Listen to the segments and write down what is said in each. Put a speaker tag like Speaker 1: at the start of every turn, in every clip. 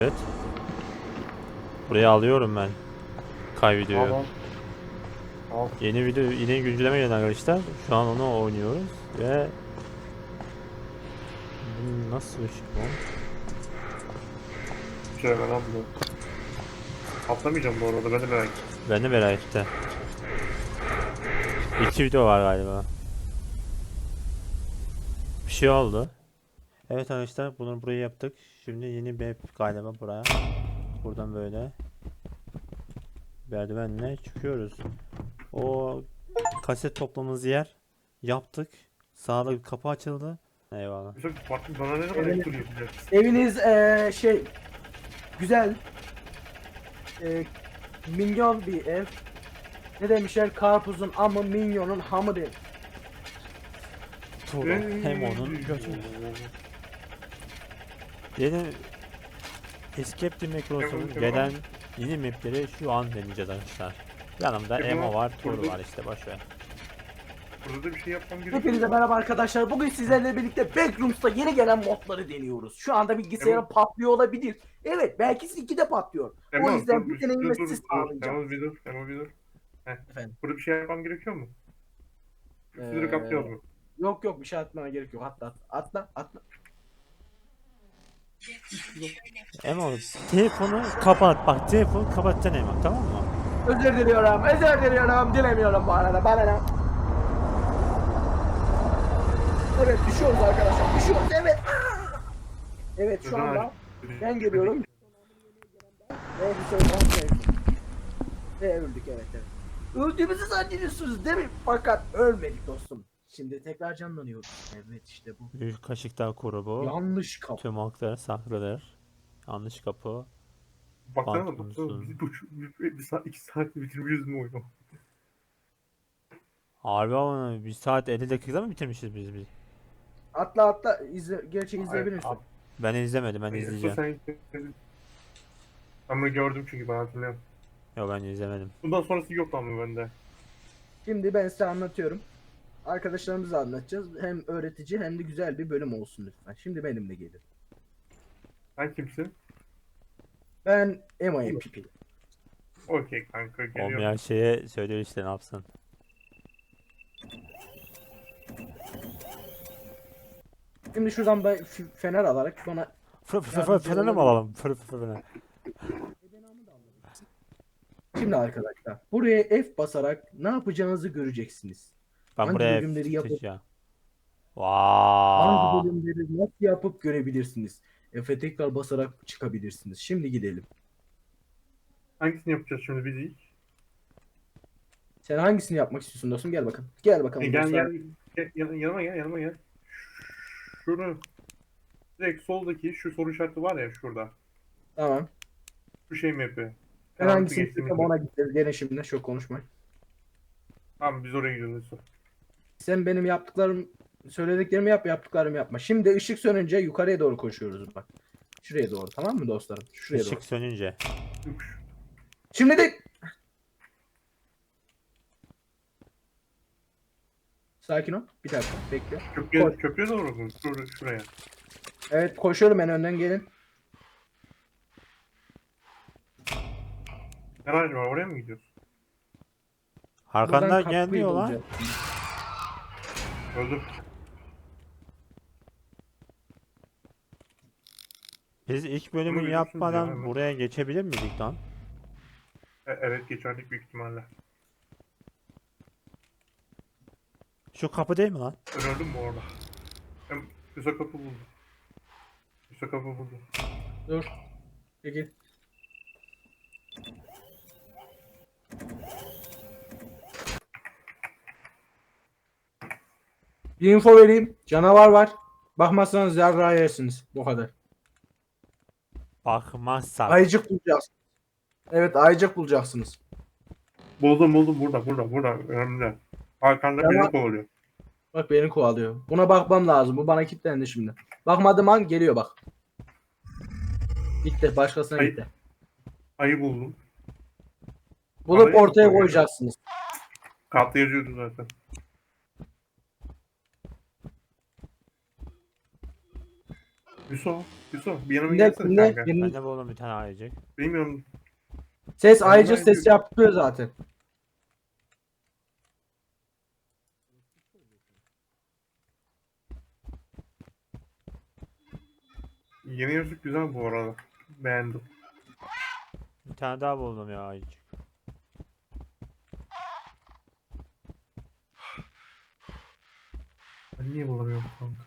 Speaker 1: Evet. Buraya alıyorum ben videoyu.
Speaker 2: Tamam. Tamam.
Speaker 1: Yeni video, yine güncelleme geldi arkadaşlar. Şu an onu oynuyoruz ve bu nasıl ışık bu?
Speaker 2: Şöyle ben abla. Atlamayacağım bu arada, ben de merak ettim.
Speaker 1: Ben de merak ettim. 2 video var galiba. Bir şey oldu. Evet arkadaşlar, bunu buraya yaptık. Şimdi yeni bir map galiba buraya. Buradan böyle merdivenle çıkıyoruz. O kaset toplamamız yer yaptık. Sağda bir kapı açıldı. Eyvallah.
Speaker 2: Mesela farklı bana ne kadar
Speaker 3: Evet.
Speaker 2: ekstra yapacak.
Speaker 3: Eviniz güzel, minyon bir ev. Ne demişler, karpuzun amı minyonun hamı değil.
Speaker 1: Tuğla hem onun götü. Yeni Escape the Macros'un
Speaker 2: Evet,
Speaker 1: gelen yeni mapleri şu an deneyeceğiz arkadaşlar. Yanımda
Speaker 2: Evet,
Speaker 1: Emo var, Tur
Speaker 2: burada-
Speaker 1: var işte, boşver.
Speaker 2: Burada da bir şey yapmam gerekiyor.
Speaker 3: Hepinize merhaba arkadaşlar. Bugün sizlerle birlikte Backrooms'ta yeni gelen modları deniyoruz. Şu anda bilgisayarım patlıyor olabilir. Evet, belki sizinki de patlıyor. O yüzden bu deneyimi siz sağlayacağım.
Speaker 2: Tamam bir dur. Heh.
Speaker 3: Efendim.
Speaker 2: Burada bir şey yapmam gerekiyor mu? Üstleri kaplıyoruz mu?
Speaker 3: Yok bir şey atmana gerek yok. Atla.
Speaker 1: Emo, telefonu kapat, bak telefonu kapatacaksın Emo, tamam mı?
Speaker 3: Özür diliyorum. Dilemiyorum bu arada. Bana ne? Evet, düşüyoruz arkadaşlar. Düşüyoruz. Evet. Evet, şu anda ben geliyorum. Ve bir soru ve öldük, evet. Öldüğümüzü zannediyorsunuz değil mi? Fakat ölmedik dostum. Şimdi tekrar canlanıyoruz. Evet, işte bu.
Speaker 1: Büyük kaşıklar grubu,
Speaker 3: Yanlış kapı.
Speaker 1: tüm halklar saklıdır. Yanlış kapı.
Speaker 2: Baksana
Speaker 1: Pantolonsun.
Speaker 2: bizi bir saat 2 saat bitirmişiz mi oyunu?
Speaker 1: Harbi ama 1 saat 50 dakikada mı bitirmişiz biz?
Speaker 3: Atla gerçeği izleyebilirsin.
Speaker 1: Ben izlemedim, ben izleyeceğim.
Speaker 2: Ben bunu gördüm çünkü ben hatırlıyorum.
Speaker 1: Yok, ben izlemedim.
Speaker 2: Bundan sonrası yok ama bende.
Speaker 3: Şimdi ben size anlatıyorum. Arkadaşlarımıza anlatacağız. Hem öğretici hem de güzel bir bölüm olsun lütfen. Şimdi benimle gelin.
Speaker 2: Sen kimsin?
Speaker 3: Ben MIPP.
Speaker 2: Okey kanka, geliyorum.
Speaker 1: Olmayan şeye söylüyor işte, ne yapsın.
Speaker 3: Şimdi şuradan ben fener alarak bana
Speaker 1: Fener'e mi alalım? Fener.
Speaker 3: Şimdi arkadaşlar buraya F basarak ne yapacağınızı göreceksiniz.
Speaker 1: Ben
Speaker 3: Hangi
Speaker 1: buraya
Speaker 3: bölümleri yapıp
Speaker 1: tutacağım.
Speaker 3: hangi
Speaker 1: Vaaay.
Speaker 3: bölümleri nasıl yapıp görebilirsiniz. F'e tekrar basarak çıkabilirsiniz. Şimdi gidelim.
Speaker 2: Hangisini yapacağız şimdi biz ilk?
Speaker 3: Sen hangisini yapmak istiyorsun dostum? Gel bakalım. Gel bakalım
Speaker 2: Gel
Speaker 3: dostlar.
Speaker 2: yanıma gel. Şunu direkt soldaki şu soru işareti var ya şurada.
Speaker 3: Tamam.
Speaker 2: Şu şey mi yapıyor?
Speaker 3: Ben
Speaker 2: Penaltı
Speaker 3: hangisini
Speaker 2: geçtiğimiz
Speaker 3: istiyorsam
Speaker 2: mi?
Speaker 3: ona gideceğiz. Gene şimdi çok konuşmayın.
Speaker 2: Tamam, biz oraya gidiyoruz.
Speaker 3: Sen benim söylediklerimi yap, yaptıklarımı yapma. Şimdi ışık sönünce yukarıya doğru koşuyoruz bak. Şuraya doğru, tamam mı dostlarım? Şuraya doğru.
Speaker 1: Işık sönünce.
Speaker 3: Şimdi de sakin ol. Bir dakika bekle. Koş.
Speaker 2: Köprüye doğru mu? Şuraya.
Speaker 3: Evet, koşuyorum, ben önden gelin.
Speaker 2: Garaj var, oraya mı gidiyoruz?
Speaker 1: Arkandan
Speaker 3: Buradan kapıyı
Speaker 1: gelmiyor lan.
Speaker 3: bulacağız.
Speaker 2: Öldüm.
Speaker 1: Biz ilk bölümü
Speaker 2: Bunu biliyorsunuz
Speaker 1: yapmadan
Speaker 2: ya, evet.
Speaker 1: buraya geçebilir miydik lan?
Speaker 2: Evet, geçerdik büyük ihtimalle.
Speaker 1: Şu kapı değil mi lan?
Speaker 2: Ben öldüm bu arada. Ben üst kapı buldum. Üst kapı buldum.
Speaker 3: Dur. Peki. Bir info vereyim. Canavar var. Bakmazsanız yarrağı yersiniz. Bu kadar.
Speaker 1: Bakmazsak.
Speaker 3: Ayıcık bulacaksınız. Evet, ayıcık bulacaksınız.
Speaker 2: Buldum burada. Önümde. Arkanda
Speaker 3: Tamam.
Speaker 2: beni kovalıyor.
Speaker 3: Bak, beni kovalıyor. Buna bakmam lazım. Bu bana kilitlendi şimdi. Bakmadığım an geliyor bak. Gitti. Başkasına
Speaker 2: Ayı.
Speaker 3: gitti.
Speaker 2: Ayı buldum.
Speaker 3: Bulup
Speaker 2: Ayı mı
Speaker 3: ortaya
Speaker 2: koyuyor?
Speaker 3: koyacaksınız.
Speaker 2: Kartla yazıyordu zaten. Yusuf bir yanıma
Speaker 3: Ne,
Speaker 2: gelsene
Speaker 3: ne,
Speaker 2: kanka.
Speaker 1: Ben de buldum bir tane ayıcık.
Speaker 2: Bilmiyorum.
Speaker 3: Ses
Speaker 2: Yanıma
Speaker 3: ayrıca ses
Speaker 2: gel.
Speaker 3: yapıyor zaten.
Speaker 2: Yeni Yusuf güzel bu arada. Beğendim.
Speaker 1: Bir tane daha buldum ya ayıcık.
Speaker 2: Ben niye bulamıyorum kanka?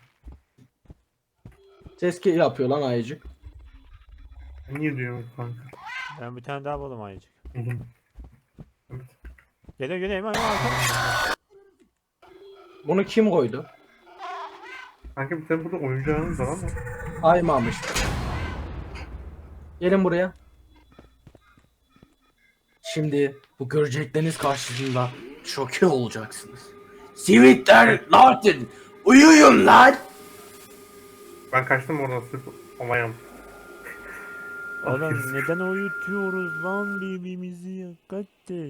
Speaker 3: Ses yapıyor lan ayıcık.
Speaker 2: Ben niye diyorum kanka?
Speaker 1: Ben bir tane daha buldum ayıcık.
Speaker 2: Buldum. Evet.
Speaker 1: Geliyor geliyor hemen hemen.
Speaker 3: Bunu kim koydu?
Speaker 2: Kanka bir tane burada oyuncağınız var ama.
Speaker 3: Aymamış. Gelin buraya. Şimdi bu görecekleriniz karşısında şoke olacaksınız. Sivitler Latin uyuyun lan.
Speaker 2: Ben kaçtım oradan sırf amayam.
Speaker 1: Oğlum neden uyutuyoruz lan birbirimizi ya kardeş?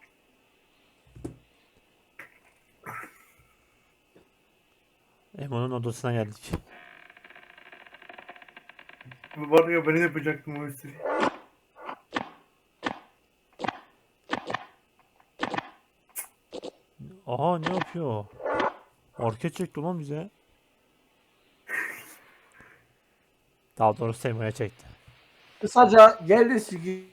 Speaker 1: Emo'nun odasına geldik.
Speaker 2: Var ya ben ne yapacaktım o esiri.
Speaker 1: Aha ne yapıyor? Orke çekti lan bize. Daha doğrusu Emo'ya çekti.
Speaker 3: Kısaca geldi sigi.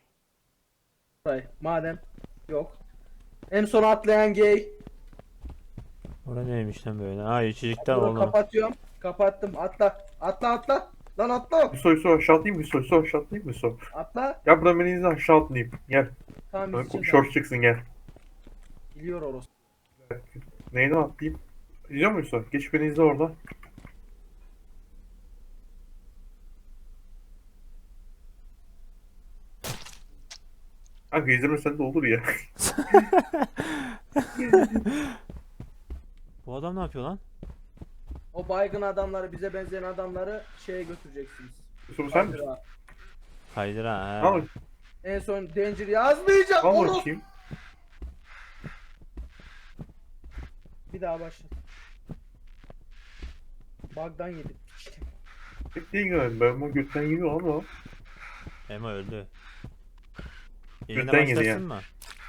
Speaker 3: Madem yok. En son atlayan gay.
Speaker 1: Orada neymiş lan böyle? Ha içecekten
Speaker 3: Bunu
Speaker 1: oğlum.
Speaker 3: kapatıyorum. Kapattım. Atla. Atla atla. Lan atla.
Speaker 2: Yusuf aşağı atlayayım mı Yusuf aşağı atlayayım mı Yusuf?
Speaker 3: Atla.
Speaker 2: Ya buradan beni izle aşağı atlayayım. Gel.
Speaker 3: Tamam izleyeceğiz.
Speaker 2: Short çıksın gel.
Speaker 3: Biliyor orası.
Speaker 2: Neyden atlayayım? İzliyor musun Yusuf? Geç beni izle orada. Kanka izlemesen de olur ya.
Speaker 1: Bu adam ne yapıyor lan?
Speaker 3: O baygın adamları, bize benzeyen adamları şeye götüreceksiniz.
Speaker 2: Yusuf sen misin?
Speaker 3: Kaydırağa.
Speaker 1: Kaydır ha.
Speaker 2: Al,
Speaker 3: En son Danger yazmayacağım.
Speaker 2: al
Speaker 3: Oğlum.
Speaker 2: bakayım.
Speaker 3: Bir daha başla. Bug'dan yedim.
Speaker 2: Pek değil galiba. Ben bu götten yiyor ama.
Speaker 1: Emo öldü. Yayına
Speaker 2: Götten yedi
Speaker 1: başlasın
Speaker 2: ya.
Speaker 1: mı?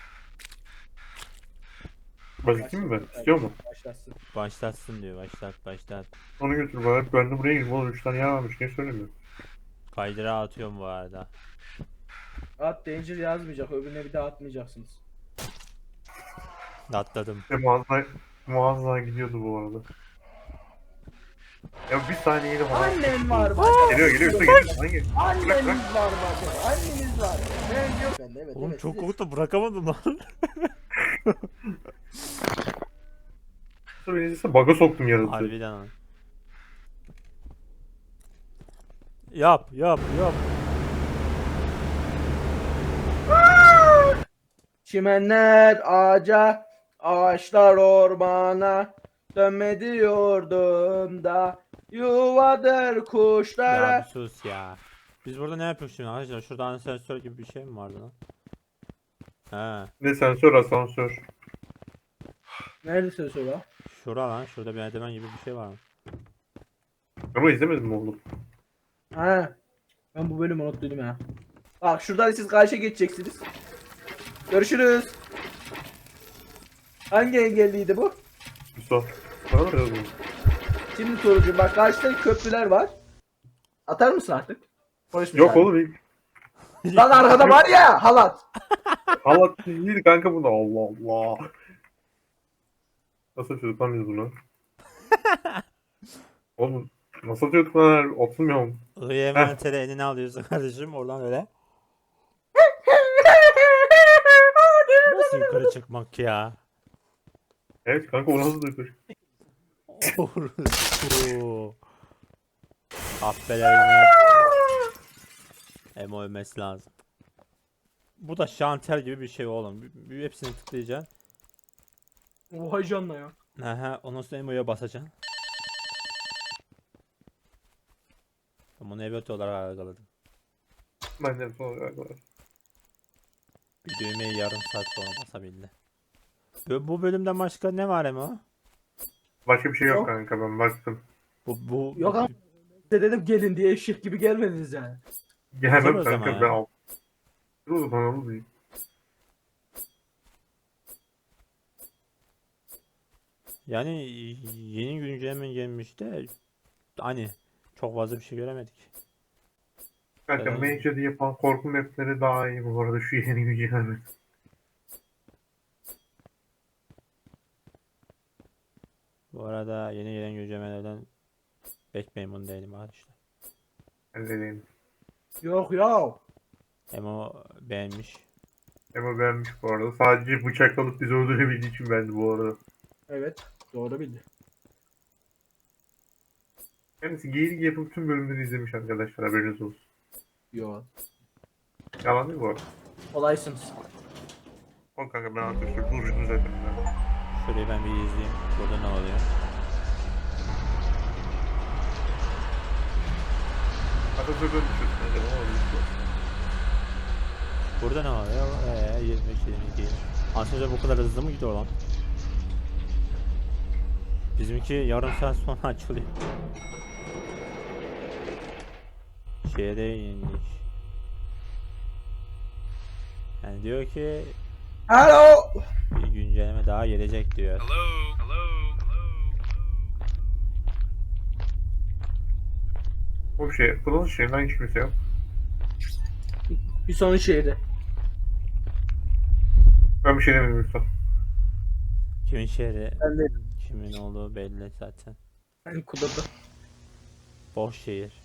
Speaker 2: Başlatayım mı ben? İstiyor mu?
Speaker 3: Başlasın.
Speaker 1: Başlatsın diyor. Başlat.
Speaker 2: Onu götür bana. Ben de buraya girdim. Oğlum 3 tane yer varmış. Niye söylemiyorsun?
Speaker 1: Kaydıra atıyorum bu arada.
Speaker 3: At Danger yazmayacak. Öbürüne bir daha atmayacaksınız.
Speaker 1: Atladım.
Speaker 2: Muazzam gidiyordu bu arada. Ya bir saniyede falan.
Speaker 3: Annen var bak.
Speaker 2: Geliyor. Geliyor. Hangi?
Speaker 3: Anneniz var bak. Anneniz var. Ben yok. Ben de evet.
Speaker 1: Oğlum
Speaker 3: evet,
Speaker 1: çok
Speaker 3: siz-
Speaker 1: korktum bırakamadım lan.
Speaker 2: Sonra beni izlese bug'a soktum yaratığı.
Speaker 1: Harbiden lan. Yap.
Speaker 3: Çimenler ağaca, ağaçlar ormana. Dönme diyordum da yuvadır
Speaker 1: Ya
Speaker 3: kuşlara.
Speaker 1: bir sus ya. Biz burada ne yapıyoruz şimdi arkadaşlar? Şurada asansör gibi bir şey mi vardı lan? He.
Speaker 2: Ne sensör asansör.
Speaker 3: Nerede söz o?
Speaker 1: Şura lan. Şurada bir merdiven gibi bir şey var.
Speaker 2: Ama izlemedin mi oğlum?
Speaker 3: Ha. Ben bu bölümü unuttum ya. Bak şuradan siz karşıya geçeceksiniz. Görüşürüz. Hangi engelliydi bu?
Speaker 2: Yusuf. Bana mı yazdın?
Speaker 3: Şimdi sorucu bak karşıda köprüler var. Atar mısın artık? Polis
Speaker 2: Yok
Speaker 3: müsaade.
Speaker 2: oğlum.
Speaker 3: Lan arkada var ya halat.
Speaker 2: Halat değil kanka bunu. Allah Allah. Nasıl atıyorduk lan biz bunu? Oğlum nasıl atıyorduk lan? Atılmıyor mu?
Speaker 1: IMT'de elini alıyorsun kardeşim oradan öyle. Nasıl yukarı çıkmak ya?
Speaker 2: Evet kanka o nasıl atıyorduk?
Speaker 1: Orası. Affedersin. Emo ölmesi lazım. Bu da şanter gibi bir şey oğlum. Hepsini tıklayacaksın.
Speaker 3: Oha canla ya.
Speaker 1: Aha, ondan sonra Emo'ya basacaksın. Ben bunu evet olarak algıladım.
Speaker 2: Ben de sonra galiba.
Speaker 1: Bir düğmeyi yarım saat sonra basabildi. Bu bölümden başka ne var Emo?
Speaker 2: Başka bir şey yok
Speaker 3: Yok.
Speaker 2: kanka ben baktım.
Speaker 1: Bu
Speaker 3: Yok ama- Size dedim gelin diye eşek gibi gelmediniz yani.
Speaker 2: Gelmem
Speaker 1: Dur o zaman
Speaker 2: kanka ben
Speaker 1: ya.
Speaker 2: al. Dur o zaman alayım.
Speaker 1: Yani yeni güncelleme gelmiş de hani çok fazla bir şey göremedik.
Speaker 2: Kanka
Speaker 1: Evet.
Speaker 2: Mage'de yapan korku mapleri daha iyi bu arada şu yeni güncelleme.
Speaker 1: Bu arada yeni gelen güncellemelerden pek memnun değilim arkadaşlar.
Speaker 2: Ben de diyeyim.
Speaker 3: Yok ya.
Speaker 1: Emo beğenmiş.
Speaker 2: Ama beğenmiş bu arada. Sadece bıçak alıp bizi öldürebildiği için beğendi bu arada.
Speaker 3: Evet. Doğru bildi.
Speaker 2: Kendisi geyik yapıp tüm bölümleri izlemiş arkadaşlar, haberiniz olsun.
Speaker 3: Yok.
Speaker 2: Yalan değil bu arada.
Speaker 3: Kolaysınız.
Speaker 2: O kanka ben arkadaşlar duruştum zaten.
Speaker 1: Şurayı ben bir izleyeyim. Burada ne oluyor?
Speaker 2: Atatürk'ün düşürsün acaba ne oluyor?
Speaker 1: Burada ne oluyor? 22. Aslında bu kadar hızlı mı gidiyor lan? Bizimki yarım saat sonra açılıyor. Şeye indik. Yani diyor ki
Speaker 3: Alo.
Speaker 1: bir güncelleme daha gelecek diyor.
Speaker 4: Hello, hello, hello.
Speaker 2: O şey, bunun şeyinden hiç kimse yok.
Speaker 3: Bir son şeydi.
Speaker 2: Ben bir şey demedim lütfen.
Speaker 1: Kimin şehri,
Speaker 3: Ben de
Speaker 1: kimin olduğu belli zaten.
Speaker 3: ben kudurdu.
Speaker 1: Boş şehir.